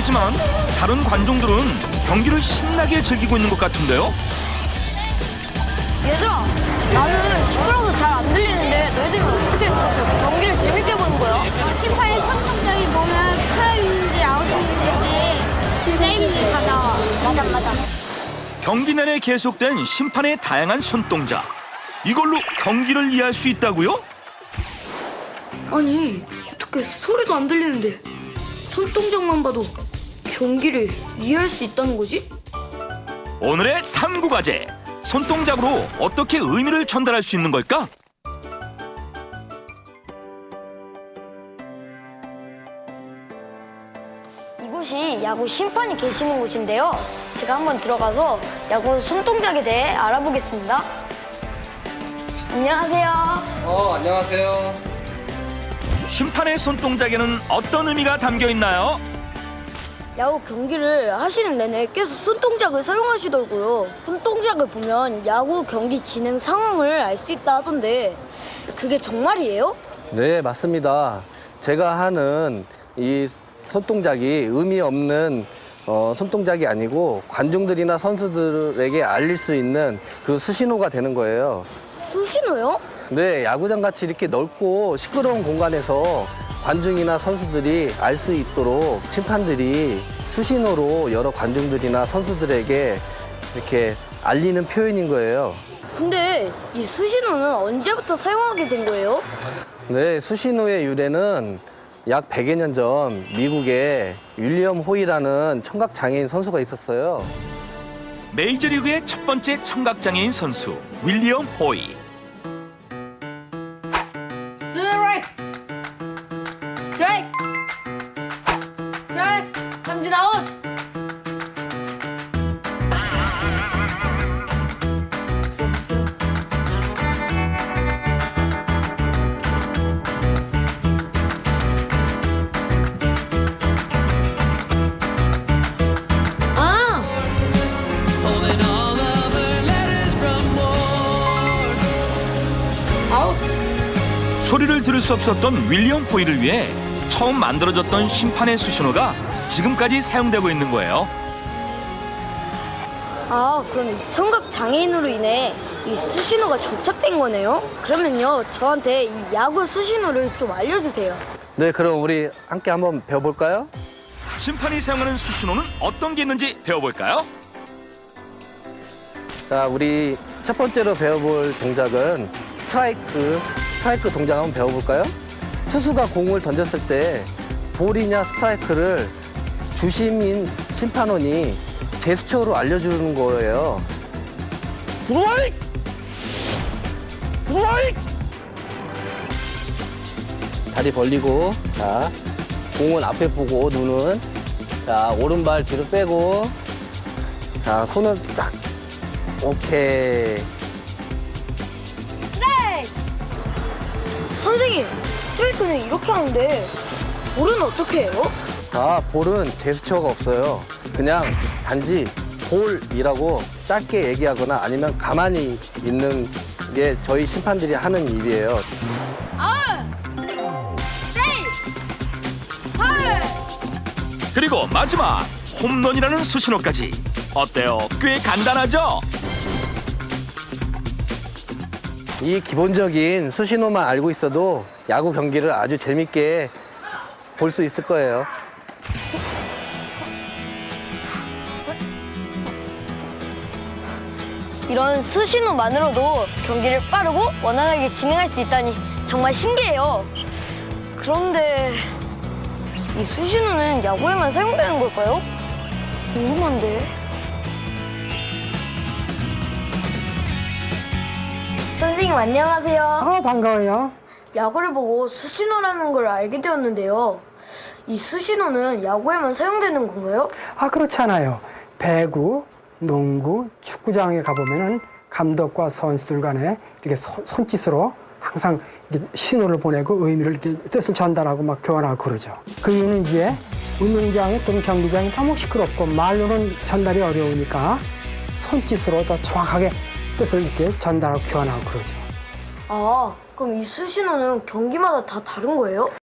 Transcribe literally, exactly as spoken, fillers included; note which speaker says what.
Speaker 1: 하지만 다른 관중들은 경기를 신나게 즐기고 있는 것 같은데요.
Speaker 2: 얘들아, 나는 시끄러워서 잘 안 들리는데 너희들은 어떻게 그렇게 경기를 재밌게 보는 거야?
Speaker 3: 심판의 선택적이 보면 스트라이크인지 아웃인지 세이브인지 다 나와. 맞아, 맞아.
Speaker 1: 경기 내내 계속된 심판의 다양한 손동작. 이걸로 경기를 이해할 수 있다고요?
Speaker 2: 아니, 어떻게 소리도 안 들리는데 손동작만 봐도 경기를 이해할 수 있다는 거지?
Speaker 1: 오늘의 탐구 과제. 손동작으로 어떻게 의미를 전달할 수 있는 걸까?
Speaker 2: 이곳이 야구 심판이 계시는 곳인데요. 제가 한번 들어가서 야구 손동작에 대해 알아보겠습니다. 안녕하세요.
Speaker 4: 어, 안녕하세요.
Speaker 1: 심판의 손동작에는 어떤 의미가 담겨 있나요?
Speaker 2: 야구 경기를 하시는 내내 계속 손동작을 사용하시더라고요. 손동작을 보면 야구 경기 진행 상황을 알 수 있다 하던데 그게 정말이에요?
Speaker 4: 네, 맞습니다. 제가 하는 이 손동작이 의미 없는 어, 손동작이 아니고 관중들이나 선수들에게 알릴 수 있는 그 수신호가 되는 거예요.
Speaker 2: 수신호요?
Speaker 4: 네, 야구장 같이 이렇게 넓고 시끄러운 공간에서 관중이나 선수들이 알 수 있도록 심판들이 수신호로 여러 관중들이나 선수들에게 이렇게 알리는 표현인 거예요.
Speaker 2: 근데 이 수신호는 언제부터 사용하게 된 거예요?
Speaker 4: 네, 수신호의 유래는 약 백여 년 전 미국에 윌리엄 호이라는 청각장애인 선수가 있었어요.
Speaker 1: 메이저리그의 첫 번째 청각장애인 선수 윌리엄 호이.
Speaker 2: 스트라이크! 스트라이크! 스트라이크! 삼진 아웃! 아! 아웃!
Speaker 1: 소리를 들을 수 없었던 윌리엄 호이를 위해 처음 만들어졌던 심판의 수신호가 지금까지 사용되고 있는 거예요.
Speaker 2: 아, 그럼 이 청각 장애인으로 인해 이 수신호가 정착된 거네요? 그러면요, 저한테 이 야구 수신호를 좀 알려주세요.
Speaker 4: 네, 그럼 우리 함께 한번 배워볼까요?
Speaker 1: 심판이 사용하는 수신호는 어떤 게 있는지 배워볼까요?
Speaker 4: 자, 우리 첫 번째로 배워볼 동작은 스트라이크, 스트라이크 동작 한번 배워볼까요? 투수가 공을 던졌을 때 볼이냐 스트라이크를 주심인 심판원이 제스처로 알려주는 거예요. 스트라이크! 스트라이크! 다리 벌리고, 자, 공은 앞에 보고, 눈은, 자, 오른발 뒤로 빼고, 자, 손은 쫙, 오케이.
Speaker 2: 선생님, 스트라이크는 이렇게 하는데 볼은 어떻게 해요?
Speaker 4: 아, 볼은 제스처가 없어요. 그냥 단지 볼이라고 짧게 얘기하거나 아니면 가만히 있는 게 저희 심판들이 하는 일이에요.
Speaker 2: 아! 세이! 헐!
Speaker 1: 그리고 마지막 홈런이라는 수신호까지. 어때요? 꽤 간단하죠?
Speaker 4: 이 기본적인 수신호만 알고 있어도 야구 경기를 아주 재밌게 볼 수 있을 거예요.
Speaker 2: 이런 수신호만으로도 경기를 빠르고 원활하게 진행할 수 있다니 정말 신기해요. 그런데 이 수신호는 야구에만 사용되는 걸까요? 궁금한데. 선생님 안녕하세요.
Speaker 5: 아, 반가워요.
Speaker 2: 야구를 보고 수신호라는 걸 알게 되었는데요. 이 수신호는 야구에만 사용되는 건가요?
Speaker 5: 아, 그렇지 않아요. 배구, 농구, 축구장에 가보면은 감독과 선수들 간에 이렇게 손, 손짓으로 항상 이렇게 신호를 보내고 의미를 이렇게 뜻을 전달하고 막 교환하고 그러죠. 그 이유는 이제 운동장 또는 경기장이 너무 시끄럽고 말로는 전달이 어려우니까 손짓으로 더 정확하게 뜻을 이렇게 전달하고 교환하고 그러죠.
Speaker 2: 아, 그럼 이 수신호는 경기마다 다 다른 거예요?